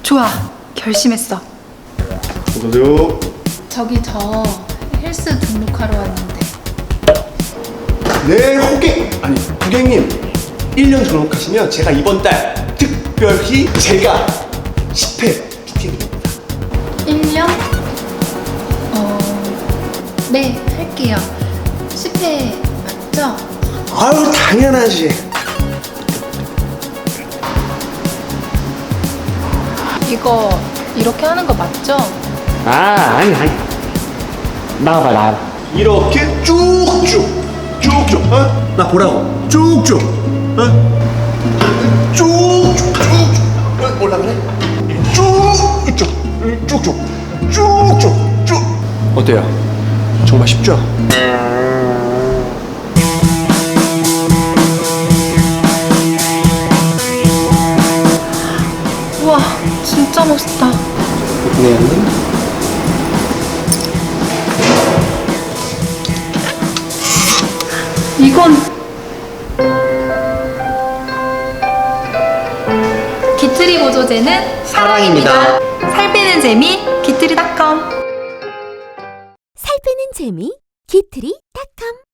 좋아, 결심했어. 어서오세요. 저기 저 헬스 등록하러 왔는데. 네, 고객님 1년 등록하시면 제가 이번 달 특별히 제가 10회 PT 드립니다. 1년? 네, 할게요. 10회 맞죠? 아유, 당연하지. 이거 이렇게 하는 거 맞죠? 아니 나와봐. 이렇게 쭉쭉 어? 나 보라고. 쭉쭉 쭉쭉 올라가네. 쭉쭉 어때요? 정말 쉽죠? 우와, 진짜 멋있다. 네. 이건 기트리 보조제는 사랑입니다. 살 빼는 재미 기트리닷컴. 살 빼는 재미 기트리.com